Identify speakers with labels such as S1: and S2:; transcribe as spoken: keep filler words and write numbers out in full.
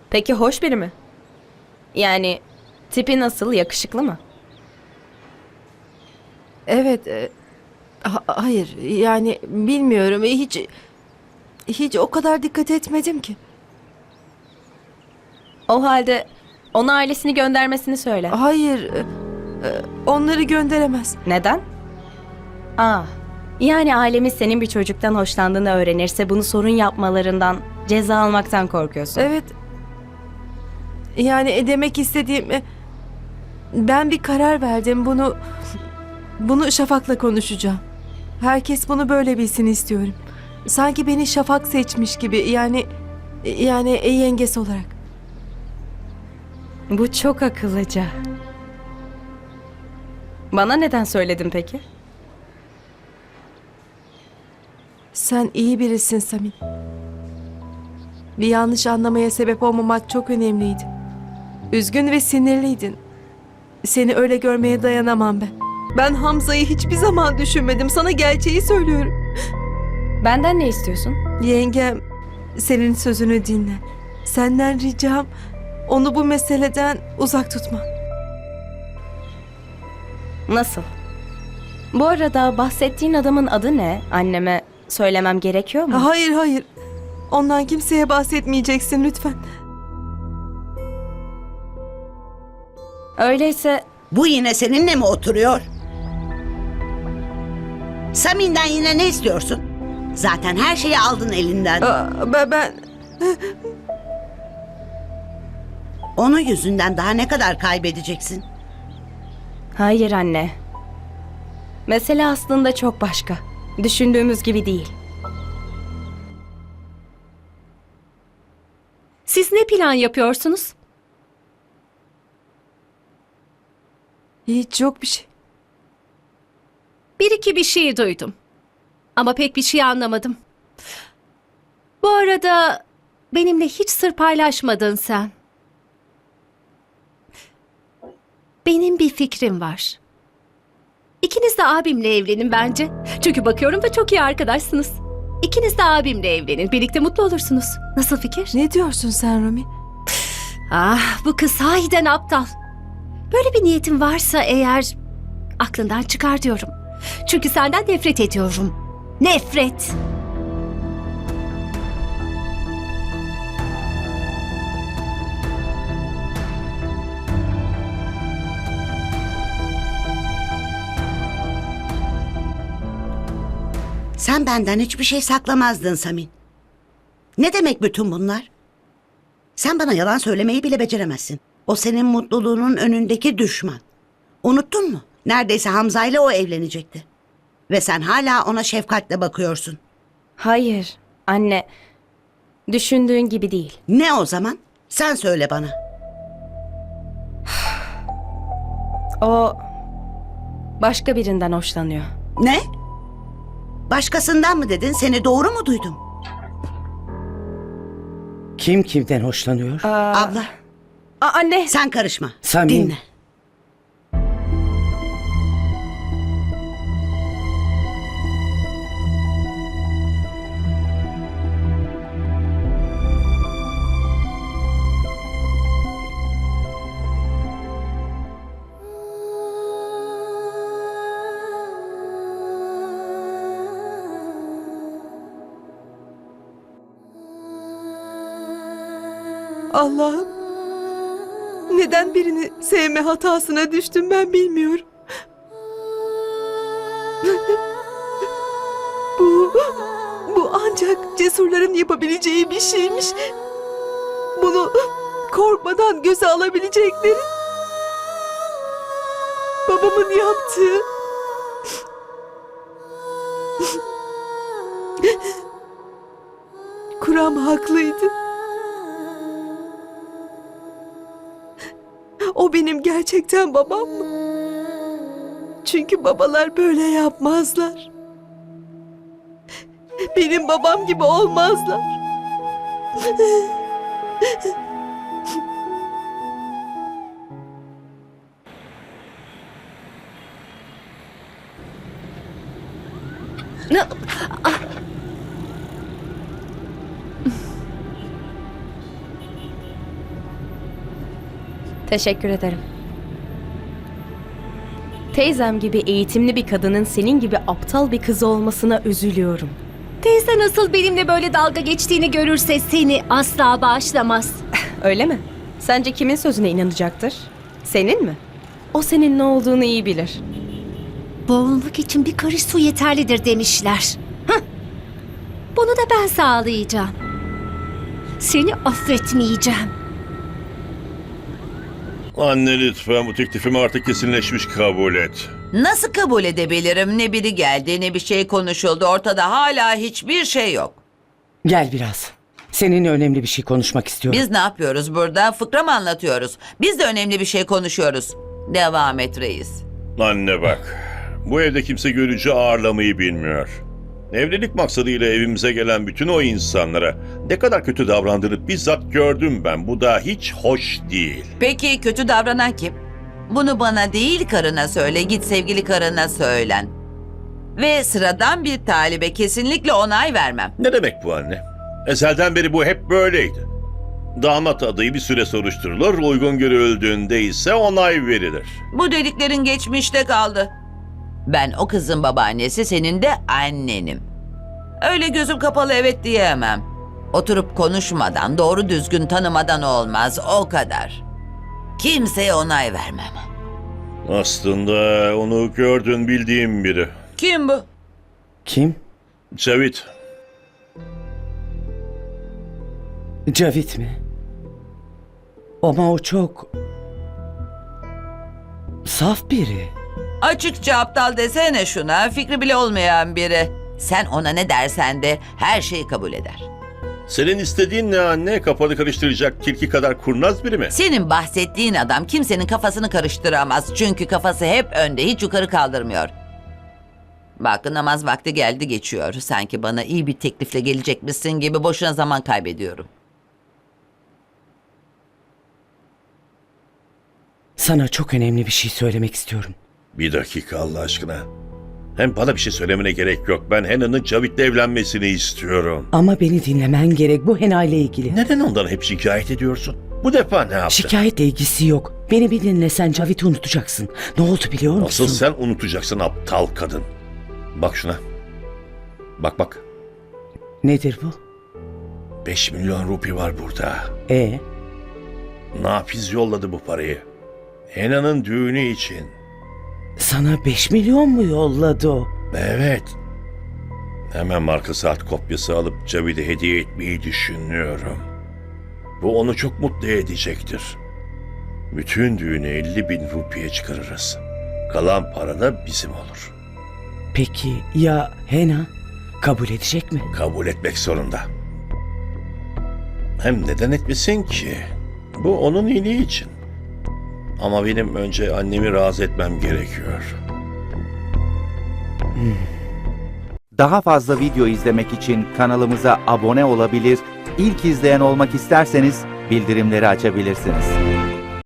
S1: Peki hoş biri mi? Yani tipi nasıl, yakışıklı mı?
S2: Evet, e, ha- hayır yani bilmiyorum hiç hiç o kadar dikkat etmedim ki.
S1: O halde ona ailesini göndermesini söyle.
S2: Hayır, e, e, onları gönderemez.
S1: Neden? Aa, yani ailemiz senin bir çocuktan hoşlandığını öğrenirse bunu sorun yapmalarından, ceza almaktan korkuyorsun.
S2: Evet, yani e, demek istediğim e, ben bir karar verdim bunu bunu Şafak'la konuşacağım. Herkes bunu böyle bilsin istiyorum. Sanki beni Şafak seçmiş gibi yani yani e, yengesi olarak.
S1: Bu çok akıllıca. Bana neden söyledin peki?
S2: Sen iyi birisin Samin. Bir yanlış anlamaya sebep olmamak çok önemliydi. Üzgün ve sinirliydin. Seni öyle görmeye dayanamam ben. Ben Hamza'yı hiçbir zaman düşünmedim. Sana gerçeği söylüyorum.
S1: Benden ne istiyorsun?
S2: Yengem senin sözünü dinle. Senden ricam onu bu meseleden uzak tutma.
S1: Nasıl? Bu arada bahsettiğin adamın adı ne? Anneme söylemem gerekiyor mu?
S2: Hayır hayır. Ondan kimseye bahsetmeyeceksin lütfen.
S1: Öyleyse
S3: Bu yine seninle mi oturuyor? Samin'den yine ne istiyorsun? Zaten her şeyi aldın elinden.
S2: Aa, ben, ben
S3: Onun yüzünden daha ne kadar kaybedeceksin?
S1: hayır anne. Mesele aslında çok başka. Düşündüğümüz gibi değil.
S4: Siz ne plan yapıyorsunuz?
S2: hiç yok bir şey.
S4: Bir iki bir şey duydum. Ama pek bir şey anlamadım. Bu arada benimle hiç sır paylaşmadın sen. Benim bir fikrim var. İkiniz de abimle evlenin bence. Çünkü bakıyorum da çok iyi arkadaşsınız. İkiniz de abimle evlenin. Birlikte mutlu olursunuz. Nasıl fikir?
S2: Ne diyorsun sen Rumi?
S4: Ah, bu kız sahiden aptal. Böyle bir niyetin varsa eğer aklından çıkar diyorum. Çünkü senden nefret ediyorum. Nefret.
S3: Sen benden hiçbir şey saklamazdın Samin. Ne demek bütün bunlar? Sen bana yalan söylemeyi bile beceremezsin. O senin mutluluğunun önündeki düşman. Unuttun mu? Neredeyse Hamza ile o evlenecekti. Ve sen hala ona şefkatle bakıyorsun.
S1: Hayır anne. Düşündüğün gibi değil.
S3: Ne o zaman? Sen söyle bana.
S1: O başka birinden hoşlanıyor.
S3: Ne? Başkasından mı dedin? Seni doğru mu duydum?
S5: Kim kimden hoşlanıyor?
S3: Abla,
S1: Aa, anne.
S3: sen karışma.
S5: Samin.
S3: Dinle.
S2: Allah'ım. Neden birini sevme hatasına düştüm ben bilmiyorum. Bu, bu ancak cesurların yapabileceği bir şeymiş. Bunu korkmadan göze alabilecekleri. Babamın yaptığı. Kuram haklıydı. O benim gerçekten babam mı? Çünkü babalar böyle yapmazlar. Benim babam gibi olmazlar.
S4: Ne-
S1: Teşekkür ederim. Teyzem gibi eğitimli bir kadının senin gibi aptal bir kızı olmasına üzülüyorum.
S4: Teyze nasıl benimle böyle dalga geçtiğini görürse seni asla bağışlamaz.
S1: Öyle mi? Sence kimin sözüne inanacaktır? Senin mi? O senin ne olduğunu iyi bilir.
S4: Boğulmak için bir karış su yeterlidir demişler. Hah! Bunu da ben sağlayacağım. Seni affetmeyeceğim.
S6: Anne lütfen bu teklifimi artık kesinleşmiş kabul et.
S7: Nasıl kabul edebilirim? Ne biri geldi ne bir şey konuşuldu. Ortada hala hiçbir şey yok.
S5: Gel biraz. Seninle önemli bir şey konuşmak istiyorum.
S7: Biz ne yapıyoruz burada? Fıkra mı anlatıyoruz? Biz de önemli bir şey konuşuyoruz. Devam et reis.
S6: Anne bak, bu evde kimse görücü ağırlamayı bilmiyor. Evlilik maksadıyla evimize gelen bütün o insanlara ne kadar kötü davrandığını bizzat gördüm ben. Bu da hiç hoş değil.
S7: Peki kötü davranan kim? Bunu bana değil karına söyle. Git sevgili karına söylen. Ve sıradan bir talibe kesinlikle onay vermem.
S6: Ne demek bu anne? Ezelden beri bu hep böyleydi. Damat adayı bir süre soruşturulur, uygun görüldüğünde ise onay verilir.
S7: Bu dediklerin geçmişte kaldı. Ben o kızın babaannesi, senin de annenim. Öyle gözüm kapalı evet diyemem. Oturup konuşmadan, doğru düzgün tanımadan olmaz, o kadar. Kimseye onay vermem.
S6: Aslında onu gördün bildiğim biri.
S7: Kim bu?
S5: Kim?
S6: Cavit.
S5: Cavit mi? Ama o çok... saf biri.
S7: Açıkça aptal desene şuna, fikri bile olmayan biri. Sen ona ne dersen de her şeyi kabul eder.
S6: Senin istediğin ne anne? Kafanı karıştıracak tilki kadar kurnaz biri mi?
S7: Senin bahsettiğin adam kimsenin kafasını karıştıramaz. Çünkü kafası hep önde, hiç yukarı kaldırmıyor. Bak namaz vakti geldi geçiyor. Sanki bana iyi bir teklifle gelecekmişsin gibi boşuna zaman kaybediyorum.
S5: Sana çok önemli bir şey söylemek istiyorum.
S6: Bir dakika Allah aşkına. Hem bana bir şey söylemene gerek yok. Ben Hannah'ın Cavit'le evlenmesini istiyorum.
S5: Ama beni dinlemen gerek, bu Hena ile ilgili.
S6: Neden ondan hep şikayet ediyorsun? Bu defa ne yaptı?
S5: Şikayetle ilgisi yok. Beni bir dinle, sen Cavit'i unutacaksın. Ne oldu biliyor musun?
S6: Asıl sen unutacaksın aptal kadın. Bak şuna. Bak bak.
S5: Nedir bu?
S6: Beş milyon rupi var burada.
S5: E
S6: Nafiz yolladı bu parayı. Hannah'ın düğünü için.
S5: sana beş milyon mu yolladı o?
S6: Evet. Hemen marka saat kopyası alıp Cavit'e hediye etmeyi düşünüyorum. Bu onu çok mutlu edecektir. Bütün düğünü elli bin rupiye çıkarırız. Kalan para da bizim olur.
S5: Peki ya Hena? Kabul edecek mi?
S6: Kabul etmek zorunda. Hem neden etmesin ki? Bu onun iyiliği için. Ama benim önce annemi razı etmem gerekiyor.
S8: Daha fazla video izlemek için kanalımıza abone olabilir, ilk izleyen olmak isterseniz bildirimleri açabilirsiniz.